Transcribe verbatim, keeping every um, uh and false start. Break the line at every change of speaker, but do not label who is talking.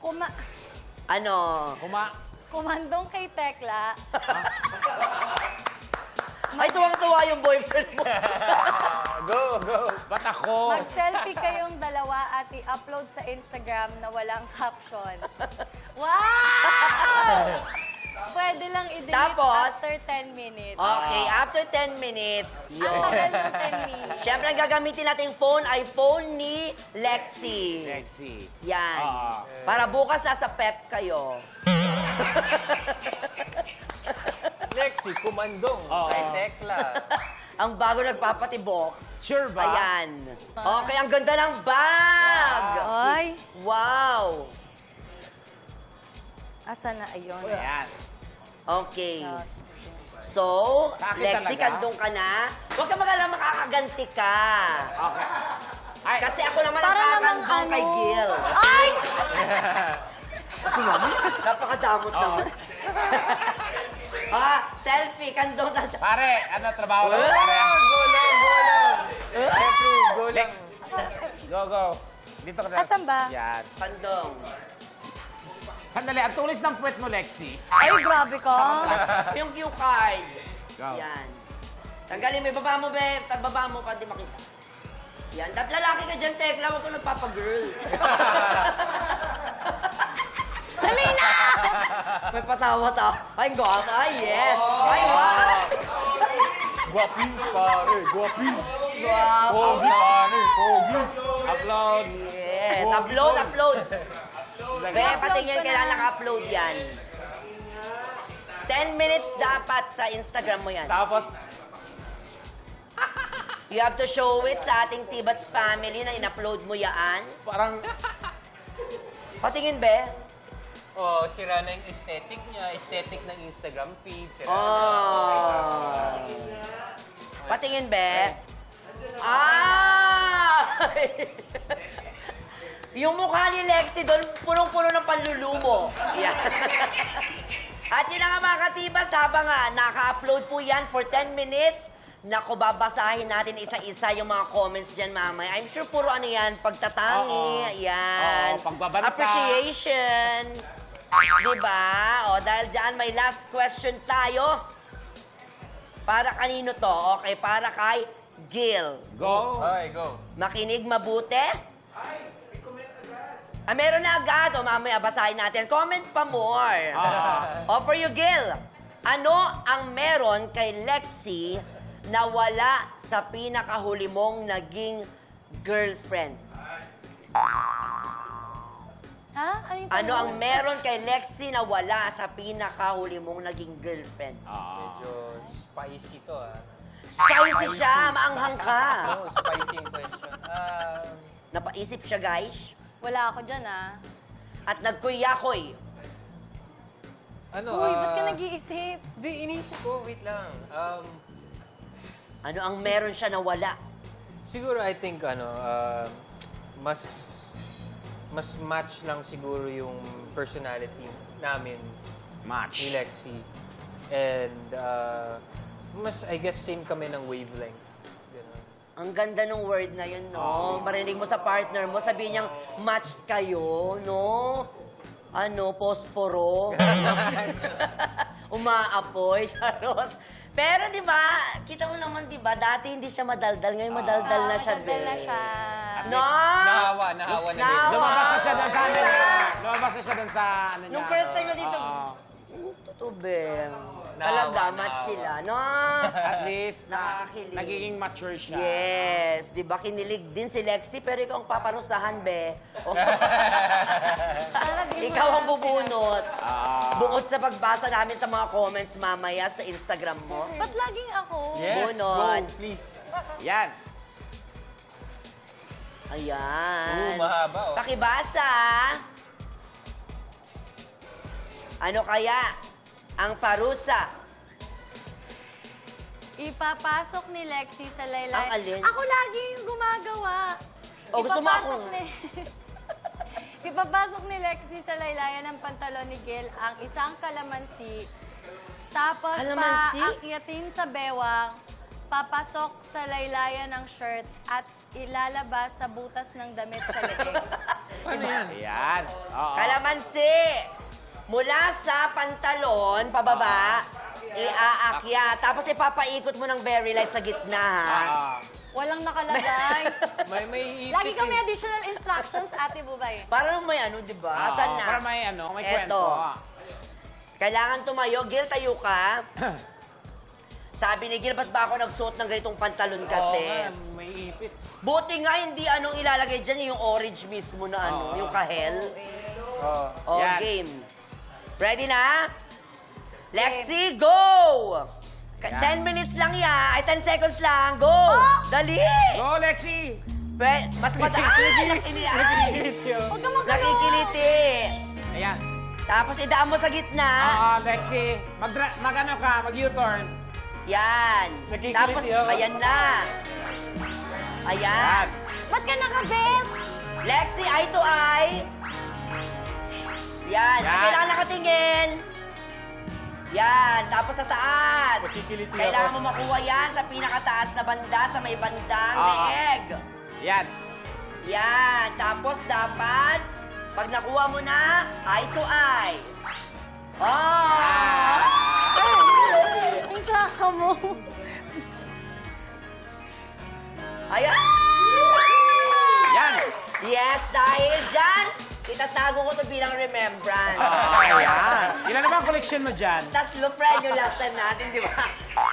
Kuma
Ano?
Kuma.
kumandong kay Tekla.
Ay, tuwang-tuwa yung boyfriend mo.
Go, go. Ba't ako?
Mag-selfie kayong dalawa at i-upload sa Instagram na walang caption. Wow! Pwede lang i-delete
Tapos?
after ten minutes.
Okay, after ten minutes,
Ang
yun.
tagal ng ten minutes.
Siyempre, ang gagamitin nating phone ay phone ni Lexi.
Sexy.
Yan.
Ah.
Para bukas nasa pep kayo.
Lexi, kumandong.
Oo.
Kay Tekla.
Ang bago nagpapatibok.
Sure ba?
Ayan. Okay, ang ganda ng bag.
Ay,
Wow.
asa na ayun?
Ayan.
Okay.
Ah,
So,
Sa akin
Lexi,
talaga?
kandong ka na. Huwag ka mag-alala, makakaganti ka.
Okay. Ay,
Kasi ako naman ang
Para namang
kakandong kay
ano?
Gil.
Ay!
Napakadamot naman. Ha? Selfie, kandong na.
pare, ano trabaho lang?
Well,
Pare, ah.
Go lang, go lang. Jeffrey, go lang.
Go, go. Dito ka na.
Asan ba?
Yan.
Kandong.
Sandali, ang tulis ng puwet mo, Lexi.
Ay, grabe ka.
Yung cue card.
Go.
Yan. Tanggalin mo, ibaba mo, be. Baba mo, pati makita. Yan. Dat lalaki ka dyan, Tekla. Huwag ko nagpapagirl.
Dali na!
May patawa-tawa. Ay, guwapa. Ay, yes. Ay, wow.
Guwapins, pare. Guwapins.
Guwapa.
Pogi, pare. Pogi.
Upload.
Yes. Upload, upload. Be, pati
Upload
yan,
ko
kailangan
na.
naka-upload yan. ten minutes dapat sa Instagram mo yan.
Tapos,
You have to show it sa ating Tibats family na in-upload mo yan.
parang,
Patingin, be.
Oh, sira na yung aesthetic niya. Aesthetic ng Instagram feed. Sira na.
Oh. Patingin, be. Ah! Yung mukha ni Lexi doon, punong-puno ng panlulumo. Yan. At yun na nga mga katibas, habang nga naka-upload po yan for ten minutes, naku, babasahin natin isa-isa yung mga comments dyan mamaya. I'm sure puro ano yan, pagtatangi,
Oo.
yan.
Oo, pagbabanta.
Appreciation. Diba? O, dahil dyan may last question tayo. Para kanino to? Okay, para kay Gil.
go.
Okay, go.
Makinig mabuti. Ah, meron na agad. O, mamaya basahin natin. Comment pa more.
Ah.
O, for you, Gil. Ano ang meron kay Lexi na wala sa pinakahuli mong naging girlfriend?
Ha? Ano yung
Ano ang
tanong?
meron kay Lexi na wala sa pinakahuli mong naging girlfriend?
Ah.
Medyo spicy to, ah.
Spicy siya, maanghang ka.
Oh, spicy yung question. Ah,
Napaisip siya, guys.
Wala ako dyan, ah.
At nagkuyakoy.
ano,
Uy, ba't ka
ah,
nag-iisip?
Di, inisip ko. Wait lang. Um,
Ano ang meron siya na wala?
siguro, I think, ano, ah, mas, mas match lang siguro yung personality namin
Match.
ni Lexi. And, uh, mas, I guess, same kami ng wavelength. Ganun.
Ang ganda ng word na yun, no? Marinig mo sa partner mo, sabihin niyang matched kayo, no? Ano, posporo. Umaapoy, charot. Pero di ba, kita mo naman di ba, dati hindi siya madaldal, ngayon madaldal na siya,
Madaldal na
be.
siya.
No!
Nahawa, nahawa na
Nahawa.
medyo.
Lumabas na siya doon sa ano niya. Lumabas na siya doon sa ano niya.
Nung first time na dito,
Oo.
"Hmm, totoo, be.
Nahawa,
Talaga, match
nahawa.
sila, no?
At least, na,
Nakakakilig.
nagiging mature siya.
Yes, di ba kinilig din si Lexi, pero ikaw ang paparusahan, be. O,
Sana di mo
ikaw ang
lang
bubunot.
Ah.
Bukod sa pagbasa namin sa mga comments mamaya sa Instagram mo.
sinabi. Ba't laging ako?
Yes,
Bunot.
go, please.
Yan.
Ayan.
Oo, mahaba, oh.
Pakibasa. Ano kaya ang parusa?
Ipapasok ni Lexi sa laylay.
Ang alin?
Ako lagi yung gumagawa.
O, gusto mo
Ipapasok
ako?
ni... Ipapasok ni Lexi sa laylayan ng pantalon ni Gil ang isang kalamansi. Tapos
Kalamansi?
paakyatin sa bewang, papasok sa laylayan ng shirt at ilalabas sa butas ng damit sa leeg.
Paano yan?
Ayan. Oo.
Kalamansi. Mula sa pantalon, pababa, iaakyat. Tapos ipapaikot mo ng very light sa gitna, ha?
Ah.
Walang nakalagay.
May, may ipit
Lagi kami
eh.
additional instructions, Ate Bubay.
Parang may ano, di ba?
Oo,
Asan na?
Para may ano, may
Eto.
kwento.
Kailangan tumayo. Gil, tayo ka. Sabi ni Gil, ba't ba ako nagsuot ng ganitong pantalon kasi?
Oo nga, may ipit.
Buti nga hindi anong ilalagay dyan, yung orange mismo na ano,
Oo.
yung kahel.
Oo.
O,
Yan.
game. Ready na? Lexi, go! Ka-
Yan.
ten minutes lang yan. Ay, ten seconds lang. Go! Dali!
Go, Lexi!
Pre, mas mataas. Nakikili- ay!
Huwag ka magkano.
Nakikiliti.
Ayan.
Tapos idaan mo sa gitna.
Oo, Lexi. Mag, mag ano ka, mag-U-turn.
Yan.
Nakikiliti
Tapos,
ako.
ayan na. Ayan.
Ba't ka nakabit?
Lexi, eye to eye. Yan.
Yan.
Kailangan nakatingin. Yan. Tapos sa taas.
Makikiliti
Kailangan
ako.
mo makuha yan sa pinakataas na banda, sa may bandang
Oo.
leeg.
Yan.
Yan. Tapos dapat, pag nakuha mo na, eye to eye. Oh!
Ang tsaka mo.
Ayan!
Yan.
Yes, dahil dyan, itatago ko to bilang remembrance.
Ah, ayan. Ilan naman ang collection mo dyan?
Tatlo, friend, yung last time natin, di ba?